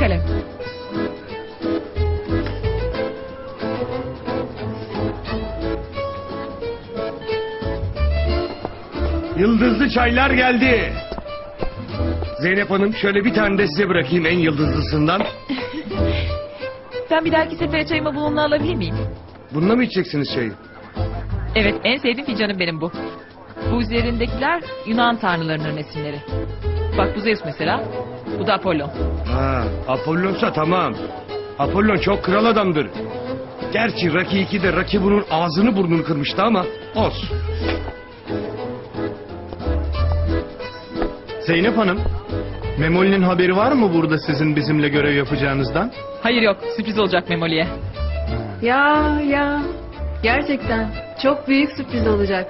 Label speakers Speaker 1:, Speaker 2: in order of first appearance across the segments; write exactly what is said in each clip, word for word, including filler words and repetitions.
Speaker 1: kalem.
Speaker 2: Yıldızlı çaylar geldi. Zeynep Hanım, şöyle bir tane de size bırakayım en yıldızlısından.
Speaker 1: Ben bir dahaki sefere çayımı bununla alabilir miyim?
Speaker 2: Bununla mı içeceksiniz çayı?
Speaker 1: Evet, en sevdiğim fincanım benim bu. Bu üzerindekiler Yunan tanrılarının resimleri. Bak bu Zeus mesela, bu da Apollon.
Speaker 2: Ha, Apollon'sa tamam. Apollon çok kral adamdır. Gerçi Rocky iki'de Rocky bunun ağzını burnunu kırmıştı ama olsun.
Speaker 3: Zeynep Hanım, Memoli'nin haberi var mı burada sizin bizimle görev yapacağınızdan?
Speaker 1: Hayır yok, sürpriz olacak Memoli'ye.
Speaker 4: Ya ya. Gerçekten çok büyük sürpriz olacak.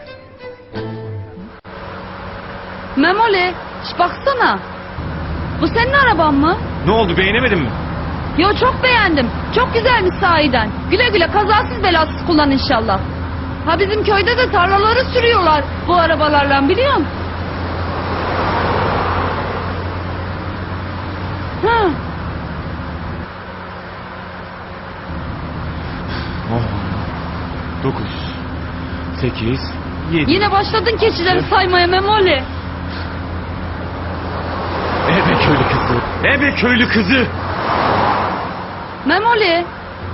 Speaker 4: Memoli, şş baksana. Bu senin araban mı?
Speaker 2: Ne oldu, beğenemedin mi?
Speaker 4: Yo, çok beğendim. Çok güzelmiş sahiden. Güle güle, kazasız belasız kullan inşallah. Ha, bizim köyde de tarlaları sürüyorlar bu arabalarla, biliyor musun? Ha.
Speaker 2: Dokuz, sekiz, yedi.
Speaker 4: Yine başladın keçileri saymaya Memoli.
Speaker 2: Ebe köylü kızı. Ebe köylü kızı.
Speaker 4: Memoli.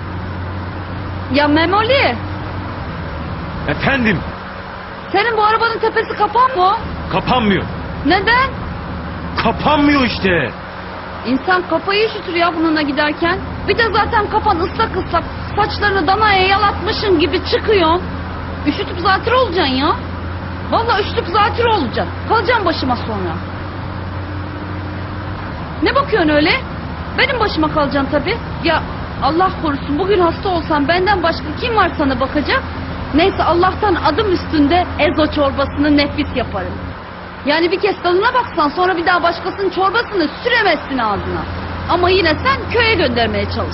Speaker 4: Ya Memoli.
Speaker 2: Efendim,
Speaker 4: Senin bu arabanın tepesi kapan mı?
Speaker 2: kapanmıyor.
Speaker 4: Neden?
Speaker 2: Kapanmıyor işte.
Speaker 4: İnsan kafayı üşütür ya bununla giderken. Bir de zaten kafan ıslak ıslak. Saçlarını danaya yalatmışın gibi çıkıyorsun. Üşütüp zatürre olacaksın ya. Vallahi üşütüp zatürre olacaksın. Kalacaksın başıma sonra. Ne bakıyorsun öyle? Benim başıma kalacaksın tabii. Ya Allah korusun, bugün hasta olsam benden başka kim var sana bakacak? Neyse, Allah'tan adım üstünde ezo çorbasını nefis yaparım. Yani bir kez tadına baksan sonra bir daha başkasının çorbasını süremezsin ağzına. Ama yine sen köye göndermeye çalış.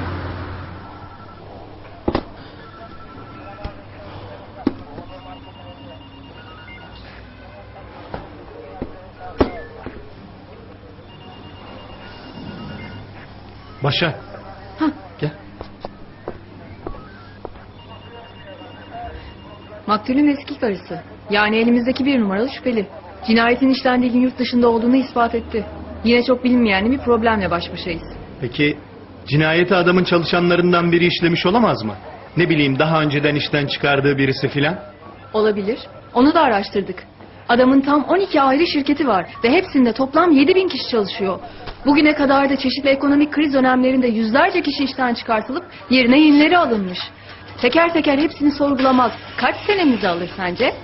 Speaker 3: Başa.
Speaker 4: Hah.
Speaker 3: Gel.
Speaker 5: Maktulün eski karısı. Yani elimizdeki bir numaralı şüpheli. Cinayetin işlendiği gün yurt dışında olduğunu ispat etti. Yine çok bilinmeyen bir problemle baş başayız.
Speaker 3: Peki cinayeti adamın çalışanlarından biri işlemiş olamaz mı? Ne bileyim, daha önceden işten çıkardığı birisi filan.
Speaker 5: Olabilir. Onu da araştırdık. Adamın tam on iki ayrı şirketi var ve hepsinde toplam yedi bin kişi çalışıyor. Bugüne kadar da çeşitli ekonomik kriz dönemlerinde yüzlerce kişi işten çıkartılıp yerine yenileri alınmış. Teker teker hepsini sorgulamak kaç senemizi alır sence?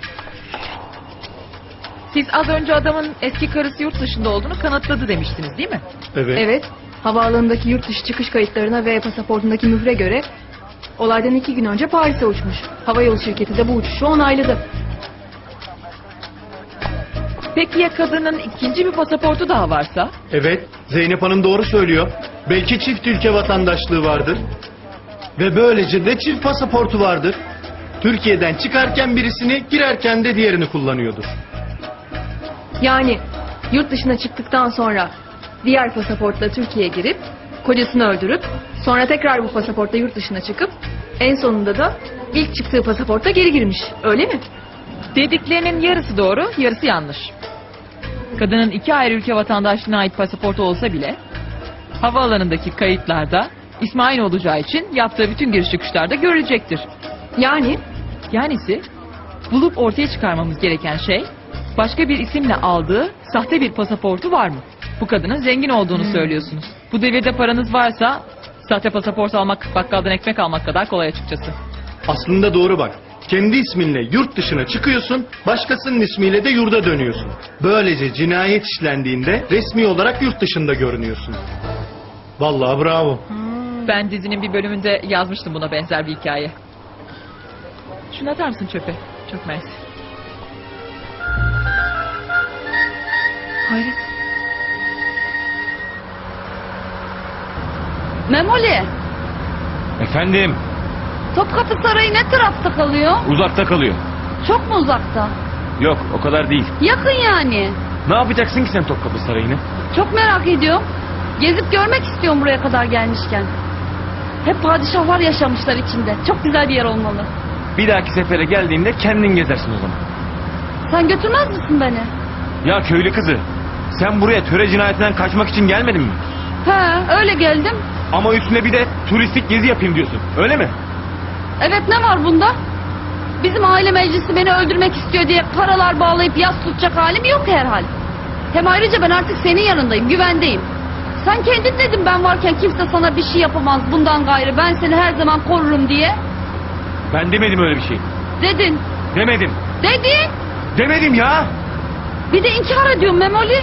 Speaker 1: Siz az önce adamın eski karısı yurt dışında olduğunu kanıtladı demiştiniz değil mi?
Speaker 3: Evet.
Speaker 5: Evet, havaalanındaki yurt dışı çıkış kayıtlarına ve pasaportundaki mühre göre olaydan iki gün önce Paris'e uçmuş. Havayolu şirketi de bu uçuşu onayladı.
Speaker 1: Peki ya kadının ikinci bir pasaportu daha varsa?
Speaker 3: Evet, Zeynep Hanım doğru söylüyor. Belki çift ülke vatandaşlığı vardır. Ve böylece de çift pasaportu vardır. Türkiye'den çıkarken birisini, girerken de diğerini kullanıyordur.
Speaker 5: Yani yurt dışına çıktıktan sonra diğer pasaportla Türkiye'ye girip kocasını öldürüp sonra tekrar bu pasaportla yurt dışına çıkıp en sonunda da ilk çıktığı pasaporta geri girmiş. Öyle mi?
Speaker 1: Dediklerinin yarısı doğru, yarısı yanlış. Kadının iki ayrı ülke vatandaşlığına ait pasaportu olsa bile havaalanındaki kayıtlarda ismi aynı olacağı için yaptığı bütün giriş çıkışlarda görülecektir.
Speaker 5: Yani
Speaker 1: Yanisi bulup ortaya çıkarmamız gereken şey başka bir isimle aldığı sahte bir pasaportu var mı? Bu kadının zengin olduğunu söylüyorsunuz. Bu devirde paranız varsa sahte pasaport almak bakkaldan ekmek almak kadar kolay açıkçası.
Speaker 3: Aslında doğru bak. Kendi isminle yurt dışına çıkıyorsun, başkasının ismiyle de yurda dönüyorsun. Böylece cinayet işlendiğinde resmi olarak yurt dışında görünüyorsun. Vallahi bravo.
Speaker 1: Ben dizinin bir bölümünde yazmıştım buna benzer bir hikaye. Şunu atar mısın çöpe? Çok mersi.
Speaker 5: hayret.
Speaker 4: Memoli,
Speaker 2: Efendim,
Speaker 4: Topkapı Sarayı ne tarafta kalıyor?
Speaker 2: uzakta kalıyor.
Speaker 4: Çok mu uzakta?
Speaker 2: Yok, o kadar değil.
Speaker 4: Yakın yani.
Speaker 2: Ne yapacaksın ki sen Topkapı Sarayı'nı?
Speaker 4: Çok merak ediyorum. Gezip görmek istiyorum buraya kadar gelmişken. Hep padişahlar yaşamışlar içinde. Çok güzel bir yer olmalı.
Speaker 6: Bir dahaki sefere geldiğinde kendin gezersin o zaman.
Speaker 4: Sen götürmez misin beni?
Speaker 6: Ya köylü kızı, sen buraya töre cinayetinden kaçmak için gelmedin mi?
Speaker 4: He, öyle geldim.
Speaker 6: Ama üstüne bir de turistik gezi yapayım diyorsun, öyle mi?
Speaker 4: Evet, ne var bunda? Bizim aile meclisi beni öldürmek istiyor diye paralar bağlayıp yas tutacak halim yok herhal. Hem ayrıca ben artık senin yanındayım, güvendeyim. Sen kendin dedin ben varken kimse sana bir şey yapamaz bundan gayrı. Ben seni her zaman korurum diye.
Speaker 6: Ben demedim öyle bir şey.
Speaker 4: Dedin.
Speaker 6: Demedim.
Speaker 4: Dedin.
Speaker 6: Demedim ya.
Speaker 4: Bir de inkar ediyorsun Memoli.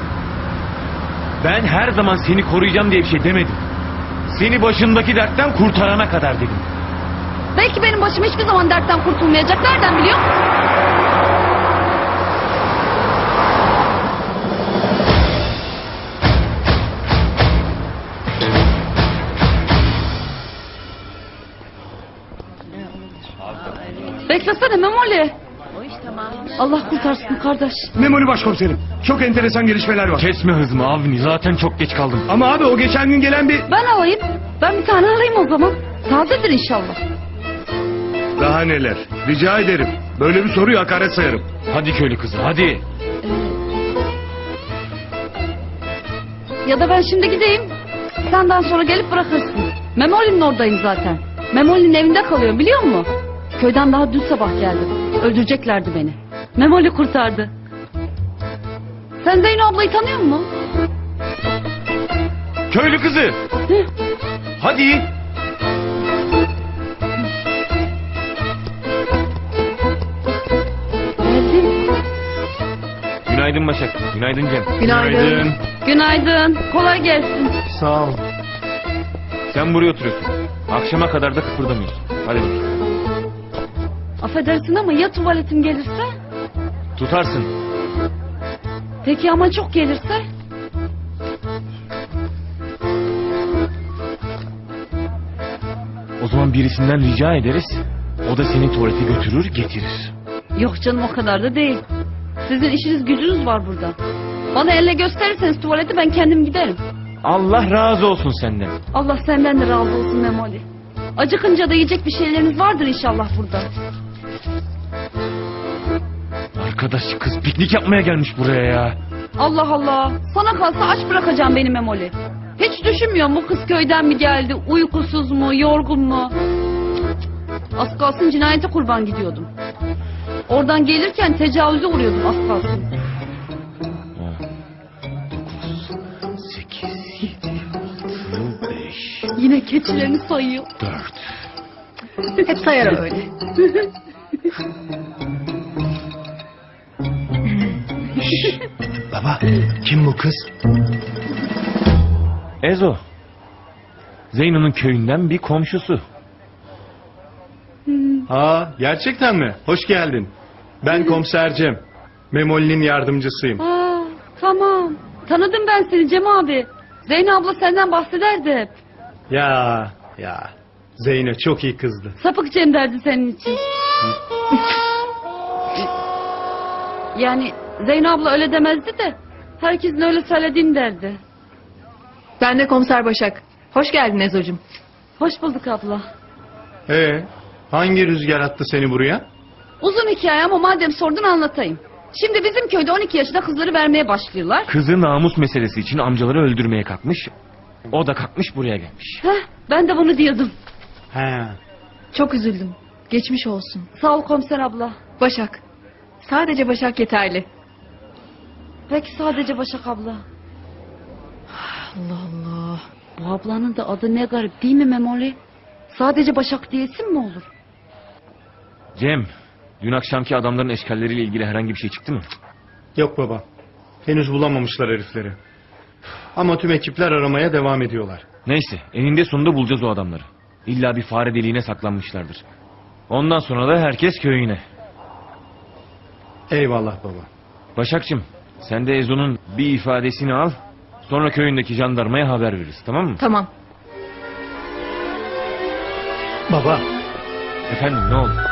Speaker 6: Ben her zaman seni koruyacağım diye bir şey demedim. Seni başındaki dertten kurtarana kadar dedim.
Speaker 4: Belki benim başım hiçbir zaman dertten kurtulmayacak. Nereden biliyor musun? Beklesene Memoli. Allah kurtarsın kardeş.
Speaker 2: Memoli başkomiserim. Çok enteresan gelişmeler var.
Speaker 6: Kesme hızımı Avni, zaten çok geç kaldım.
Speaker 2: Ama abi o geçen gün gelen bir...
Speaker 4: Ben alayım. Ben bir tane alayım o zaman. Tazedir inşallah.
Speaker 2: Daha neler. Rica ederim. Böyle bir soruyu hakaret sayarım.
Speaker 6: Hadi köylü kızı, hadi.
Speaker 4: Ya da ben şimdi gideyim. Senden sonra gelip bırakırsın. Memoli'nin oradayım zaten. Memoli'nin evinde kalıyorum biliyor musun? Köyden daha dün sabah geldim. Öldüreceklerdi beni. Memoli kurtardı. Sen Zeyno ablayı tanıyor musun?
Speaker 6: Köylü kızı,
Speaker 4: Hı?
Speaker 6: hadi.
Speaker 4: Geldim.
Speaker 6: Günaydın Başak, günaydın Cem.
Speaker 5: Günaydın.
Speaker 4: Günaydın. Kolay gelsin.
Speaker 3: Sağ ol.
Speaker 6: Sen buraya oturuyorsun. Akşama kadar da kıpırdamıyorsun. Hadi bakayım.
Speaker 4: Affedersin ama ya tuvaletim gelirse?
Speaker 6: Tutarsın.
Speaker 4: Peki ama çok gelirse?
Speaker 6: O zaman birisinden rica ederiz. O da seni tuvalete götürür, getirir.
Speaker 4: Yok canım, o kadar da değil. Sizin işiniz gücünüz var burada. Bana elle gösterirseniz tuvaleti ben kendim giderim.
Speaker 6: Allah razı olsun senden.
Speaker 4: Allah senden de razı olsun Memoli. Acıkınca da yiyecek bir şeyleriniz vardır inşallah burada.
Speaker 6: Arkadaş kız piknik yapmaya gelmiş buraya ya.
Speaker 4: Allah Allah. Sana kalsa aç bırakacağım beni Memoli. Hiç düşünmüyorum bu kız köyden mi geldi, uykusuz mu, yorgun mu? Az kalsın cinayete kurban gidiyordum. Oradan gelirken tecavüze uğruyordum az kalsın.
Speaker 6: dokuz, sekiz, yedi, altı, beş,
Speaker 4: Yine keçilerini sayıyor.
Speaker 6: dört.
Speaker 5: Hep sayar öyle.
Speaker 3: Baba, kim bu kız?
Speaker 6: Ezo. Zeyno'nun köyünden bir komşusu.
Speaker 3: Ha, gerçekten mi? Hoş geldin. Ben komiser Cem. Memoli'nin yardımcısıyım.
Speaker 4: Aa, tamam. Tanıdım ben seni Cem abi. Zeyno abla senden bahsederdi hep.
Speaker 3: Ya, ya. Zeynep çok iyi kızdı.
Speaker 4: Sapık Cem derdi senin için. Yani Zeyno abla öyle demezdi de herkesin öyle söylediğini derdi.
Speaker 5: Ben de komiser Başak. Hoş geldin Ezo'cum.
Speaker 4: Hoş bulduk abla.
Speaker 3: Ee, hangi rüzgar attı seni buraya?
Speaker 4: Uzun hikaye ama madem sordun anlatayım. Şimdi bizim köyde on iki yaşında kızları vermeye başlıyorlar.
Speaker 6: Kızı namus meselesi için amcaları öldürmeye kalkmış. O da kalkmış buraya gelmiş.
Speaker 4: Heh, ben de bunu diyordum.
Speaker 3: He.
Speaker 5: Çok üzüldüm. Geçmiş olsun.
Speaker 4: Sağ ol komiser abla.
Speaker 5: Başak. Sadece Başak yeterli.
Speaker 4: Peki sadece Başak abla.
Speaker 5: Allah Allah.
Speaker 4: Bu ablanın da adı ne garip değil mi Memoli? Sadece Başak diyesin mi olur?
Speaker 6: Cem, dün akşamki adamların eşkalleriyle ilgili herhangi bir şey çıktı mı?
Speaker 3: Yok baba. Henüz bulamamışlar herifleri. Ama tüm ekipler aramaya devam ediyorlar.
Speaker 6: Neyse, eninde sonunda bulacağız o adamları. İlla bir fare deliğine saklanmışlardır. Ondan sonra da herkes köyüne.
Speaker 3: Eyvallah baba.
Speaker 6: Başakçım, sen de Ezo'nun bir ifadesini al. Sonra köyündeki jandarmaya haber veririz, tamam mı?
Speaker 5: Tamam.
Speaker 3: Baba.
Speaker 6: Efendim, ne oldu?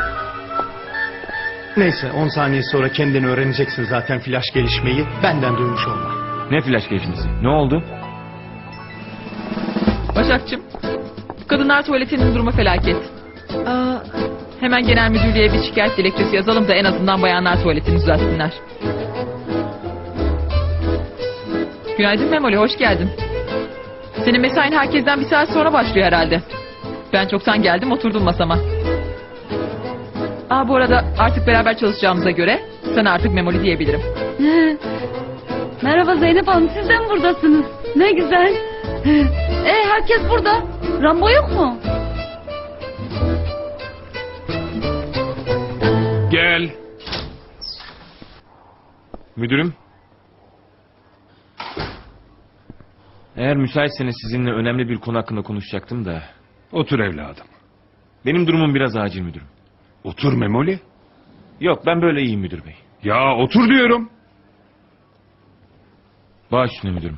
Speaker 3: Neyse on saniye sonra kendini öğreneceksin zaten flash gelişmeyi. Benden duymuş olma.
Speaker 6: Ne flash gelişmesi? Ne oldu?
Speaker 1: Başakçım, kadınlar tuvaletinin durumu felaket. Aa, hemen genel müdürlüğe bir şikayet dilekçesi yazalım da en azından bayanlar tuvaletini düzeltsinler. Günaydın Memoli, hoş geldin. Senin mesain herkesten bir saat sonra başlıyor herhalde. Ben çoktan geldim, oturdum masama. Aa, bu arada artık beraber çalışacağımıza göre sana artık Memoli diyebilirim.
Speaker 4: Merhaba Zeynep Hanım, siz de mi buradasınız? Ne güzel. E herkes burada. Rambo yok mu?
Speaker 2: Gel.
Speaker 6: Müdürüm. Eğer müsaitseniz sizinle önemli bir konu hakkında konuşacaktım da.
Speaker 2: Otur evladım.
Speaker 6: Benim durumum biraz acil müdürüm.
Speaker 2: Otur Memoli.
Speaker 6: Yok, ben böyle iyiyim müdür bey.
Speaker 2: Ya otur diyorum.
Speaker 6: Baş üstüne müdürüm.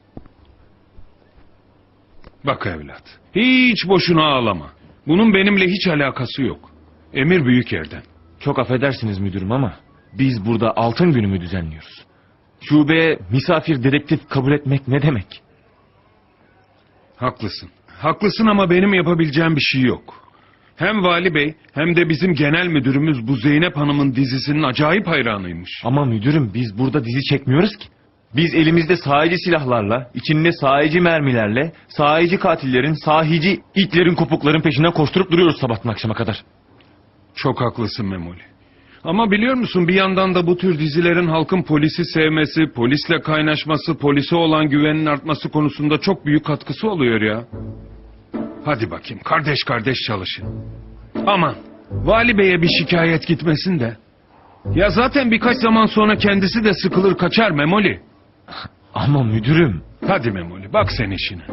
Speaker 2: Bak evlat. Hiç boşuna ağlama. Bunun benimle hiç alakası yok. Emir büyük yerden.
Speaker 6: Çok affedersiniz müdürüm ama biz burada altın günümü düzenliyoruz. Şubeye misafir dedektif kabul etmek ne demek?
Speaker 2: Haklısın. Haklısın ama benim yapabileceğim bir şey yok. Hem Vali Bey hem de bizim genel müdürümüz bu Zeynep Hanım'ın dizisinin acayip hayranıymış.
Speaker 6: Ama müdürüm biz burada dizi çekmiyoruz ki. Biz elimizde sahici silahlarla, içinde sahici mermilerle, sahici katillerin, sahici itlerin, kopukların peşinden koşturup duruyoruz sabahtan akşama kadar.
Speaker 2: Çok haklısın Memoli. Ama biliyor musun bir yandan da bu tür dizilerin halkın polisi sevmesi, polisle kaynaşması, polise olan güvenin artması konusunda çok büyük katkısı oluyor ya. Hadi bakayım kardeş kardeş çalışın. Aman Vali Bey'e bir şikayet gitmesin de. Ya zaten birkaç zaman sonra kendisi de sıkılır kaçar Memoli.
Speaker 6: Ama müdürüm.
Speaker 2: Hadi Memoli bak sen işine.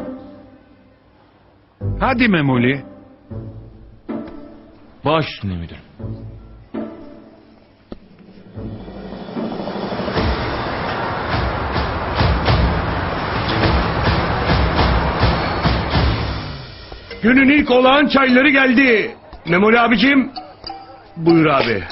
Speaker 2: Hadi Memoli.
Speaker 6: Baş üstüne müdürüm.
Speaker 2: Günün ilk olağan çayları geldi. Memoli abicim. Buyur abi.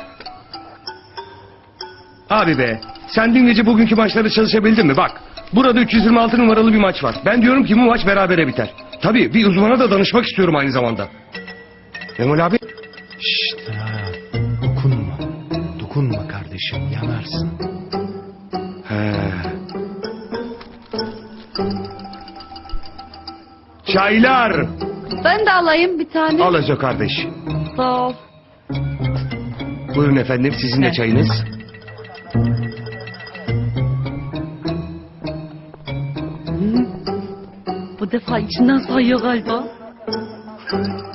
Speaker 2: Abi be. Sen dün gece bugünkü maçları çalışabildin mi? Bak. Burada üç yüz yirmi altı numaralı bir maç var. Ben diyorum ki bu maç berabere biter. Tabii bir uzmana da danışmak istiyorum aynı zamanda. Memoli abi.
Speaker 3: Şşt ha, dokunma. Dokunma kardeşim, yanarsın.
Speaker 2: He. Çaylar.
Speaker 4: Ben de alayım bir tane.
Speaker 2: Al Ezo kardeş.
Speaker 4: Sağ ol.
Speaker 2: Buyurun efendim sizin de
Speaker 1: Evet.
Speaker 2: çayınız.
Speaker 4: Bu defa içinden sayıyor galiba.